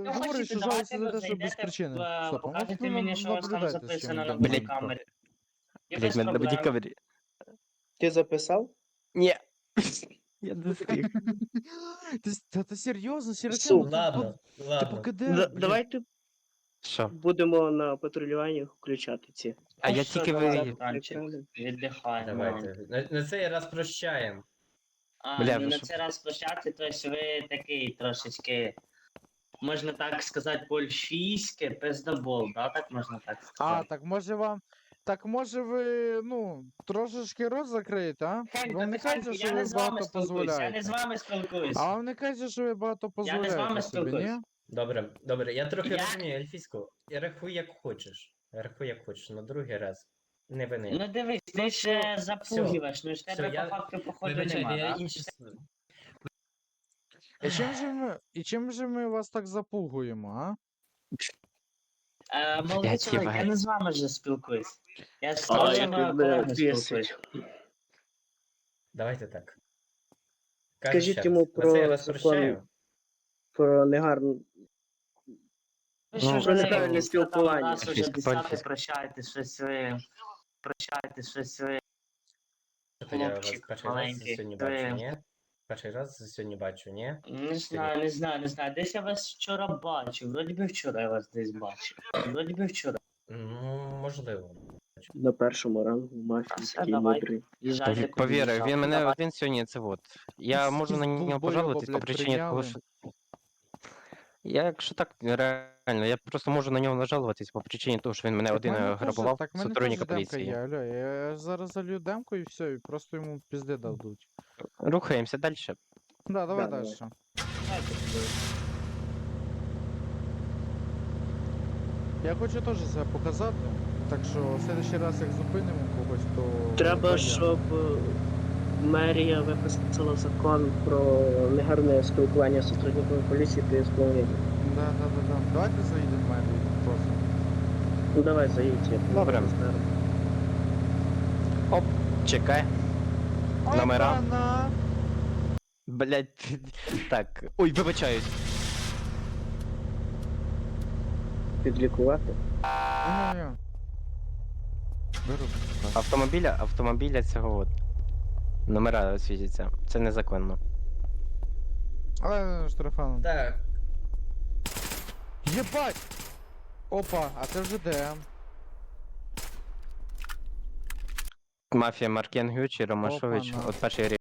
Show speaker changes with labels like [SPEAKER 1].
[SPEAKER 1] ви
[SPEAKER 2] говорить,
[SPEAKER 1] хочете,
[SPEAKER 2] що жалується
[SPEAKER 1] давайте
[SPEAKER 2] за те,
[SPEAKER 1] ви
[SPEAKER 2] що без
[SPEAKER 1] зайдете,
[SPEAKER 2] причини. Стоп, а ну
[SPEAKER 1] покажете мені, що у вас там
[SPEAKER 2] наблюдайте, з чим
[SPEAKER 1] записано на
[SPEAKER 2] він
[SPEAKER 3] Блядь.
[SPEAKER 1] бодікамері. І
[SPEAKER 3] Блять,
[SPEAKER 1] без
[SPEAKER 3] мене на
[SPEAKER 1] проблем.
[SPEAKER 3] бодікавері.
[SPEAKER 4] Ти записав?
[SPEAKER 3] Ні. Я не встиг.
[SPEAKER 2] Та серйозно,
[SPEAKER 4] Су.
[SPEAKER 2] Сіротян,
[SPEAKER 5] Ладно,
[SPEAKER 2] ти
[SPEAKER 5] ладно.
[SPEAKER 2] покиде, блядь.
[SPEAKER 4] Давайте
[SPEAKER 3] Що?
[SPEAKER 4] будемо на патрулюванні включати ці.
[SPEAKER 3] А я
[SPEAKER 1] що,
[SPEAKER 3] тільки
[SPEAKER 1] давай,
[SPEAKER 3] ви...
[SPEAKER 1] Танчик, віддихай.
[SPEAKER 5] Давайте. На цей раз прощаємо.
[SPEAKER 3] Бля,
[SPEAKER 1] Ну
[SPEAKER 3] ви
[SPEAKER 1] на
[SPEAKER 3] що?
[SPEAKER 1] цей раз площадці, то есть ви такий трошечки, можна так сказати, польфійське пиздобол, да, так можна так
[SPEAKER 2] А,
[SPEAKER 1] сказати?
[SPEAKER 2] так може ви, ну, трошечки рот закриєте, а?
[SPEAKER 1] Хенько,
[SPEAKER 2] Вам не
[SPEAKER 1] тихенько,
[SPEAKER 2] кажеться, що
[SPEAKER 1] я не
[SPEAKER 2] ви
[SPEAKER 1] з вами
[SPEAKER 2] багато
[SPEAKER 1] спілкуюсь, я не
[SPEAKER 2] дозволяєте?
[SPEAKER 1] з вами спілкуюсь.
[SPEAKER 2] А вам не кажеться, що ви багато
[SPEAKER 1] Я не з вами
[SPEAKER 2] дозволяєте собі,
[SPEAKER 1] спілкуюсь.
[SPEAKER 2] ні?
[SPEAKER 5] Добре, добре. Я трохи
[SPEAKER 1] Я-
[SPEAKER 5] розумію ельфійську. Я рахуй як хочеш. Рахуй як хочеш, на другий раз. Не вини.
[SPEAKER 1] Ну дивись, ти ще запугиваєш, ну ж
[SPEAKER 5] Всьо,
[SPEAKER 1] тебе
[SPEAKER 5] я-
[SPEAKER 1] по факту походу
[SPEAKER 5] Вибачайте,
[SPEAKER 1] нема,
[SPEAKER 5] я
[SPEAKER 1] да?
[SPEAKER 5] інші...
[SPEAKER 2] І чим же ми вас так запугуємо, а?
[SPEAKER 1] Молодий
[SPEAKER 3] Блядь,
[SPEAKER 1] чоловік, я
[SPEAKER 3] Євген.
[SPEAKER 1] не з вами вже спілкуюсь. Я з
[SPEAKER 4] А,
[SPEAKER 1] вашими
[SPEAKER 4] як мене
[SPEAKER 1] колегами
[SPEAKER 4] бісить.
[SPEAKER 1] спілкуюсь.
[SPEAKER 5] Давайте так.
[SPEAKER 4] Скажіть
[SPEAKER 5] ще
[SPEAKER 4] йому
[SPEAKER 5] раз. На цей
[SPEAKER 4] про
[SPEAKER 5] раз
[SPEAKER 4] закон,
[SPEAKER 5] прощаю.
[SPEAKER 4] про негарну.
[SPEAKER 1] Ви
[SPEAKER 3] Ну,
[SPEAKER 1] що
[SPEAKER 4] про
[SPEAKER 1] вже
[SPEAKER 4] неправильне
[SPEAKER 1] там
[SPEAKER 4] спілкування.
[SPEAKER 1] раз уже
[SPEAKER 3] Фіст,
[SPEAKER 1] десятий
[SPEAKER 3] пальфіст.
[SPEAKER 1] прощаєте щось ви,
[SPEAKER 5] То я вас
[SPEAKER 1] хлопчик
[SPEAKER 5] перший раз
[SPEAKER 1] маленький.
[SPEAKER 5] сьогодні
[SPEAKER 1] Ви-
[SPEAKER 5] бачу, ні? Перший раз сьогодні бачу, ні?
[SPEAKER 1] Не знаю. Десь я вас вчора бачив. Вроді би вчора я вас десь бачив. Вроді би вчора.
[SPEAKER 5] Ну, можливо.
[SPEAKER 4] На першому рангу мафії
[SPEAKER 1] Все,
[SPEAKER 4] такий
[SPEAKER 1] давай.
[SPEAKER 4] мудрий.
[SPEAKER 1] Їжджайте куди
[SPEAKER 3] Повір,
[SPEAKER 1] їжджати.
[SPEAKER 3] він мене
[SPEAKER 1] Давай.
[SPEAKER 3] один сьогодні, це от. Я можу на
[SPEAKER 2] Був
[SPEAKER 3] нього
[SPEAKER 2] бойова,
[SPEAKER 3] пожалуватись по
[SPEAKER 2] блядь,
[SPEAKER 3] причині того,
[SPEAKER 2] прийняли.
[SPEAKER 3] що... Я, якщо так, реально, я просто можу на нього нажалуватись по причині того, що він мене один грабував,
[SPEAKER 2] Так в мене теж
[SPEAKER 3] сотрудника
[SPEAKER 2] демка
[SPEAKER 3] поліції.
[SPEAKER 2] є, алло, я зараз залью демку і все, і просто йому пізди дадуть.
[SPEAKER 3] Рухаємося далі.
[SPEAKER 2] Да, давай
[SPEAKER 4] Да,
[SPEAKER 2] далі. Я хочу теж себе показати, так що в следующий раз, як зупинимо когось, то...
[SPEAKER 4] Треба,
[SPEAKER 2] то я.
[SPEAKER 4] щоб мерія виписала закон про негарне спілкування з сотрудниками поліції при сповненні.
[SPEAKER 2] Да. Давайте заїдемо в мене просто.
[SPEAKER 4] Ну давай, заїдь. я
[SPEAKER 3] Добре.
[SPEAKER 4] знаю.
[SPEAKER 3] Чекай. Номера.
[SPEAKER 2] Опана!
[SPEAKER 3] Блять, так. Ой, вибачаюсь.
[SPEAKER 4] Підлікувати.
[SPEAKER 2] Ні-ні-ні. Беру.
[SPEAKER 3] Автомобіля цього от. Номера світяться. Це незаконно.
[SPEAKER 2] Але штрафаном.
[SPEAKER 5] Так,
[SPEAKER 2] Єбать! Опа, а це вже ДМ.
[SPEAKER 3] Мафія Маркенгючі, Ромашович,
[SPEAKER 2] Опа-на.
[SPEAKER 3] от перший рік.